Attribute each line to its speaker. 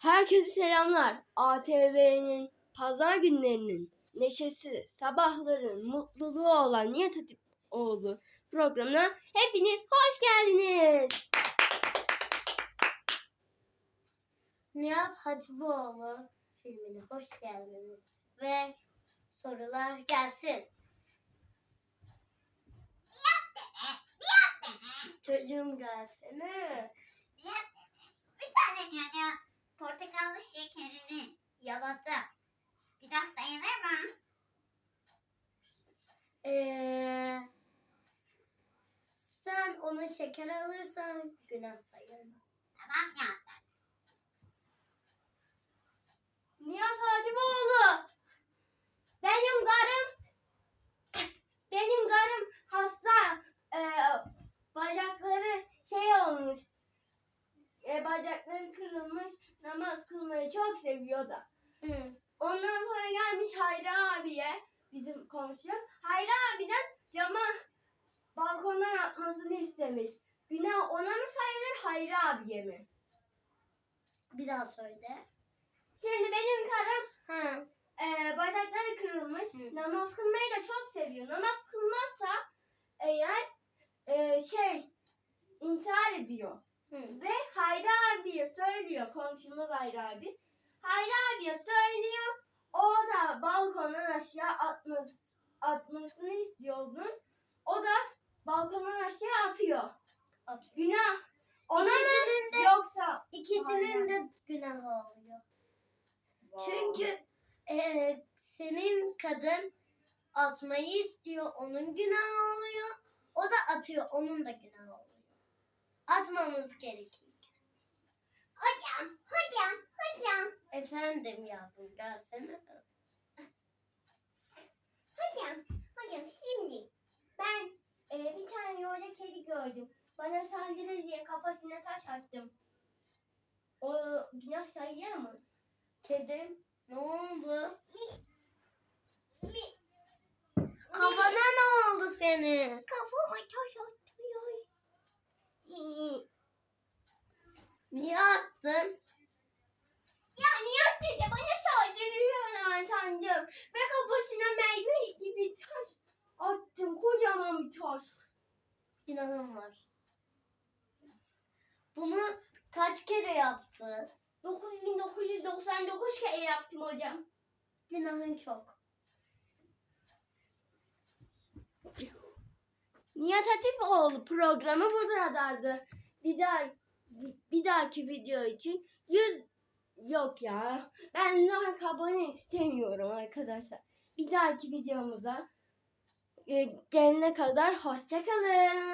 Speaker 1: Herkese selamlar. ATV'nin pazar günlerinin neşesi, sabahların mutluluğu olan Nihat Hatipoğlu programına hepiniz hoş geldiniz.
Speaker 2: Nihat Hatipoğlu filmine hoş geldiniz ve sorular gelsin. Çocuğum gelsene.
Speaker 3: Bir tane çocuğun portakallı şekerini yaladı. Biraz sayılır mı?
Speaker 2: Sen ona şeker alırsan günah sayılmaz.
Speaker 3: Tamam ya.
Speaker 1: Nihat Hatipoğlu. Benim karım hasta. Bacakları olmuş. Bacakları kırılmış. Namaz kılmayı çok seviyor da. Ondan sonra gelmiş Hayri abiye, bizim komşu. Hayri abiden balkondan atmasını istemiş. Günah ona mı sayılır, Hayri abiye mi?
Speaker 2: Bir daha söyle.
Speaker 1: Şimdi benim karım bacakları kırılmış. Namaz kılmayı da çok seviyor. Namaz kılmazsa eğer intihar ediyor. Ve Hayri abiye söylüyor, komşumuz Hayri abi. Hayri abiye söylüyor, o da balkondan aşağı atmasını istiyor onun. O da balkondan aşağı atıyor. Günah ona mı yoksa?
Speaker 2: İkisinin de günahı oluyor.
Speaker 1: Wow.
Speaker 2: Çünkü senin kadın atmayı istiyor, onun günahı oluyor. O da atıyor, onun da günahı oluyor. Atmamız gerekiyor.
Speaker 3: Hocam.
Speaker 2: Efendim yavrum gelsene.
Speaker 3: Hocam şimdi ben
Speaker 1: Bir tane yolda kedi gördüm. Bana saldırır diye kafasına taş attım. O günah sayılır mı?
Speaker 2: Kedim ne oldu?
Speaker 3: mi
Speaker 2: Kafana ne oldu senin?
Speaker 3: kafama taş atıyor. Mi.
Speaker 2: Niye attın?
Speaker 3: Ya Nihat dede bana
Speaker 1: Saldırıyor sandım. Ve kafasına meyve gibi taş attım. Kocaman bir taş.
Speaker 2: Günahım var. Bunu kaç kere yaptın?
Speaker 1: 9999 kere yaptım hocam.
Speaker 2: Günahın çok.
Speaker 1: Nihat Hatipoğlu programı bu kadardı. Bir dahaki video için 100 yok ya. Ben like abone istemiyorum arkadaşlar. Bir dahaki videomuza gelene kadar hoşça kalın.